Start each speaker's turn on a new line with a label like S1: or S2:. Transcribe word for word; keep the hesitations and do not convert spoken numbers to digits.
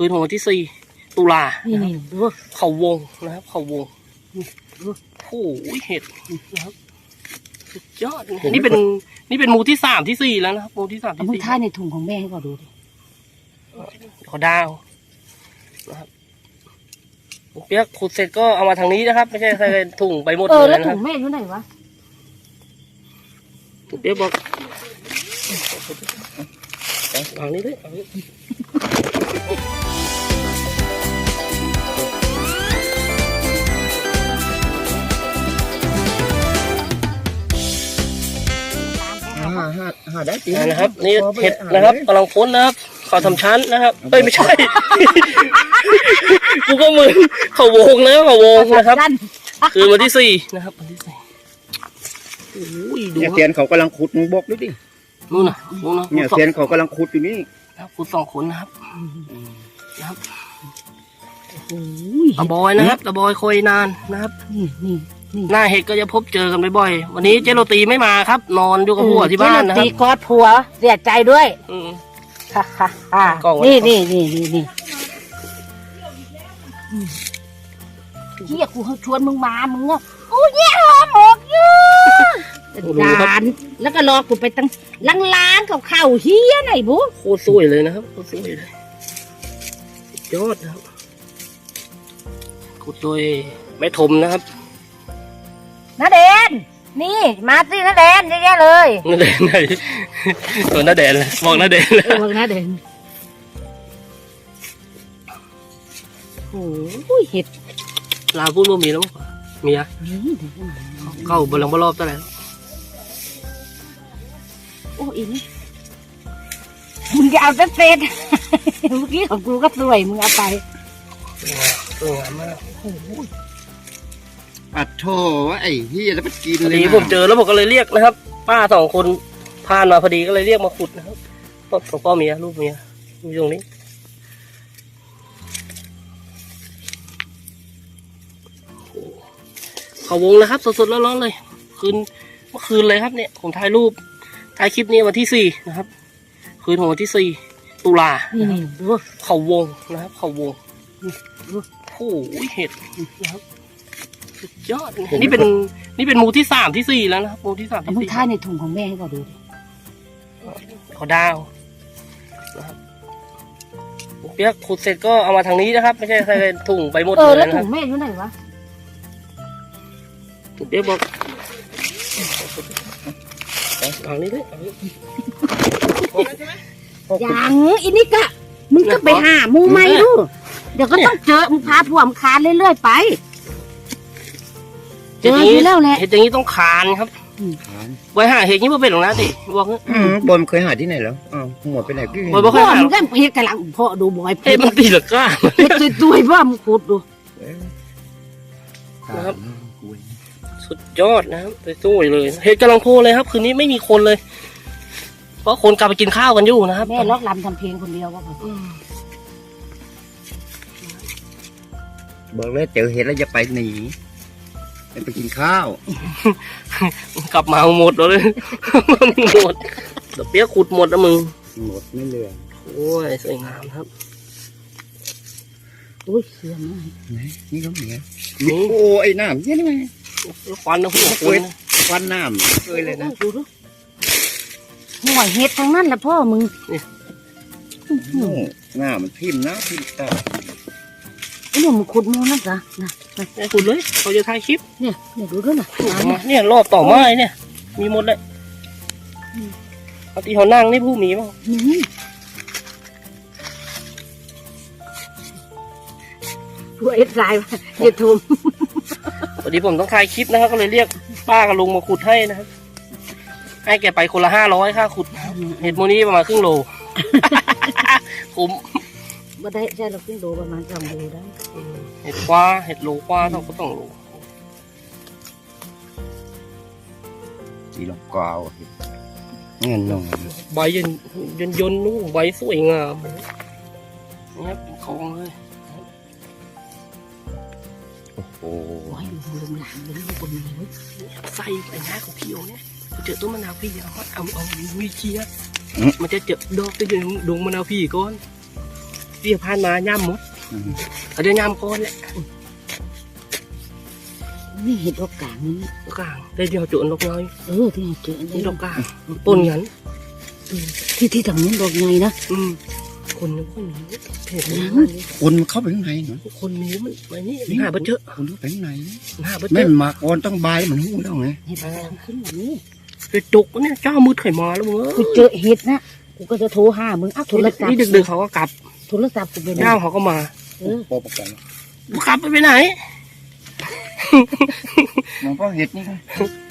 S1: คืนของวันที่สี่ตุลา
S2: นี่นี่ดู
S1: เขาวงนะครับเขาวงโอ้โหเห็ดนะครับสุดยอดนี่เป็นนี่เป็นหมูที่สามที่สี่แล้วนะครับหมูที่สามที่
S2: มึง
S1: สี่
S2: ท่าในถุงของแม่ให้ก่อนดูดิ
S1: ขอดาวนะครับเปียกขุดเสร็จก็เอามาทางนี้นะครับไม่ใช่ใส่ถุงไปหมด
S2: เออ
S1: เล
S2: แล้ว
S1: ยนะค
S2: ถุ
S1: รับ
S2: งแม่อยู่ไหนวะ
S1: เปียกบอกทางนี้ด้วยทางนี้
S3: หาได้จริง
S1: นะครับนี่เห็ดนะครับกำลังพ้นนะครับเขาทำชั้นนะครับเอ้ยไม่ใช่ กูก็มือเขาวงนะเขาวงนะครับคืนวันที่สี่นะครับวันที่สี่โอ้ยดู
S3: เนี่ยเทียนเขากำลังขุดมึงบอกด้วยดิ
S1: นู่นน่ะนู่นน่ะ
S3: เนี่ยเทียนเขากำลังขุดอยู่นี่
S1: ครับขุดสองคนนะครับนะครับ
S2: โอ้ย
S1: ตะบอยนะครับตะบอยคอยนานนะครับ
S2: นี่นี่นี่
S1: หน้าเห็ดก็จะพบเจอกันบ่อยๆวันนี้เจโรตีไม่มาครับ นอนอยู่กับผัวที่บ้านนะค
S2: ตี
S1: รับ
S2: กอดผัวเสียใจด้วย
S1: อืม
S2: ฮ่าฮ่าฮ่าก
S1: ล้องไว้
S2: นี่นี่นี่นี่นี่เฮียกูเขาชวนมึงมามึงอ่ะกูแย่หอมหมกอยู่ดานแล้วก็รอกูไปตั้งล้างๆกับข้าวเฮียไหนบุ๊
S1: โคตรสวยเลยนะครับโคตรสวยเลยสุดยอดนะครับขุดโดยแม่ถมนะครับ
S2: น้าเดนนี่มาสิน้าเดนเยอะๆเลย
S1: น้าแดนไหนตัวน้าแดนเลยบอกน้าแดนเลย
S2: เออบอกน้าเดนโอ้ยเห็ด
S1: ลาพูดว่ามีแล้วมั้งมีอะเข้าบอลลังบอลรอบตั้งแต่
S2: โอ้อินมึงจะเอาแต่เศษ เมื่อกี้ของกูก็สวยมึงเอาไป
S1: สวยงามมาก
S3: อัดโถไอ้เฮียแล้วไปกิน
S1: พอ
S3: เลย
S1: ดี
S3: นะ
S1: ผมเจอแล้วผมก็เลยเรียกนะครับ ป้าสองคนผ่านมาพอดีก็เลยเรียกมาขุดนะครับของพ่อเมียลูกเมียอยู่ตรงนี้เขาวงแล้วครับสดๆร้อนๆเลยคืนเมื่อคืนเลยครับเนี่ยผมถ่ายรูปถ่ายคลิปนี้วันที่สี่นะครับ คืนของวันที่สี่ตุลา
S2: นี่นี่ดู
S1: เขาวงนะครับเขาวงโอ้โหเห็ดนะครับสุดยอดนี่เป็นนี่เป็นหมูที่สามที่สี่แล้วนะครับหมูที่สามที่
S2: มึง
S1: สี่
S2: ท่าในถุงของแม่ให้ก่อนดูดิ
S1: ขอดาวนะครับเปียกขุดเสร็จก็เอามาทางนี้นะครับ ไม่ใช่ใส่ถุงไปหมด
S2: เออ
S1: เล
S2: แล้ว
S1: ยนะค
S2: ถุ
S1: รับ
S2: งแม่อยู่ไหนวะ
S1: เปียกบอกทางนี้ด้วยทางนี้
S2: ยังอินี่กะมึงก็ไปหาหมูใหม่ดูเดี๋ยวก็ต้องเจอมึงพาผัวมึงคานเรื่อยๆไปเจออยู่แล้วแหละ
S1: เห็ดอย่างนี้ต้องคานครับไว้หาเห็ดนี้มาเป็นหรอกนะติบอกงี้
S3: อืมบอลเคยหาที่ไหนแล้วอ้าวหมดไปไหนพี่
S1: บอยบอก
S2: พ่
S1: ให้
S2: อ
S1: หา
S2: มึงก็เฮ็ดกำลังพ่อดูบอย
S1: เห็ดมันตีหลักก้า
S2: เฮ็ดตัวๆพ่อมึงขุดดู
S1: นะครับ สุดยอดนะครับไปสู้เลยเห็ดกำลังโคเลยครับ คืนนี้ไม่มีคนเลย เพราะคนกลับไปกินข้าวกันอยู่นะครับ
S2: แม่ล็อกลำทำเพลงคนเดียวว่าพอ
S1: อืม
S3: บอกเลยเจอเห็ดแล้วจะไปหนีไปกินข้าว
S1: กลับมาเอาหมดเลยหมดเดี๋ยวเปี๊ยกขุดหมดนะมึง
S3: หมดไม่เหลือ
S1: โอ้ยสวยงามครับ
S2: อุ้ยเสียมาก
S3: ไหนนี่ก็มี
S1: นี่
S3: โอ้ไอ้น้ำเนี่ยนี่ไง
S1: ควันนะหัวค
S3: เว้
S1: น
S3: ยควันน้ำเคยเลยนะ
S2: ดูดูห่วยเฮ็ดทั้งนั้นแหละพ่อมึง
S3: โอ้หน้ามันทิ่มนะทิ่มตา
S2: ไอ้หนุ่มมึงขุดมูนั่นจ้ะนะ
S1: ไอ้ขุดเลยเขาจะถ่ายคลิป
S2: เนี่ยเนี่ยดูด้วยนะ
S1: เนี่ยรอบต่อไม้เนี่ย มีหมดเลยเอาที่เขานั่งนี่ผู้มีมั้ง
S2: นี่กูเอ็ดไลน์อย่าทุ่ม
S1: พอดีผมต้องถ่ายคลิปนะครับก็เลยเรียกป้ากับลุงมาขุดให้นะครับให้แกไปคนละห้าร้อยค่าขุดเห็ดโมนี้ประมาณครึ่งโล คุ้ม
S2: บ่ได้ใช่เราขึ้นโลประมาณสองโลได้
S1: เห็ดคว้าเห็ดโลคว้าเท่าก็ต้องโล
S3: สีลงกาวเงินลง
S1: ใบยันยันยนนู่ใบสวยงามนี่ครับเป็นของเลย
S3: โอ้โห
S2: โอ้ยลุงหลานเลยลูกคนนี้เว้ย
S1: ไส้ไอ้หน้าของพี่โอเนี่ยเจอต้นมะนาวพี่เอาเอาเอามีเคี้ยมันจะเจอดอกจะอยู่ดงมะนาวพี่ก่อนเบี้ยผ่านมาย่ำหมด
S3: อืม
S1: เขาเดี๋ยวย่ำก้อนแหละ
S2: นี่เห็ดดอกกลางนี่
S1: ดอกกลางได้เดียวจุดดอกน้อย
S2: เออที่เราเจออัน
S1: นี่
S2: นี้
S1: ดอกกลางปนกัน
S2: ที่ที่ทางนู้นดอกใหญ่นะ
S1: อืมคนนึงคนนี้เพจนี้
S3: คนมันเข้าไปข้างในเนาะ
S1: คนนี้มันไอ้นี่มันหาบ่เจอ
S3: คนเข้าไปข้างใน
S1: มันหาบ่เจ
S3: แม่
S1: อน
S3: มาก่อนต้องบายมันหูแล้วไง
S2: เห็ดทางขึ้นแบบนี้
S1: ไปจุกเนี่ยเจ้ามืดไข่มาแล้วมึงเอ้
S2: กู
S1: ย
S2: เจอเห็ดนะกูก็จะโทรหามึงอ้าวโทรศัพท์
S1: นี่ดึกๆเขาก็กลับ
S2: โทรศัพท์กูไปไหน
S1: เจ้าเขาก็มา
S2: เออ
S3: ปอประกอบ
S1: กลับไปไปไหน
S3: มันก็เห็ดนี่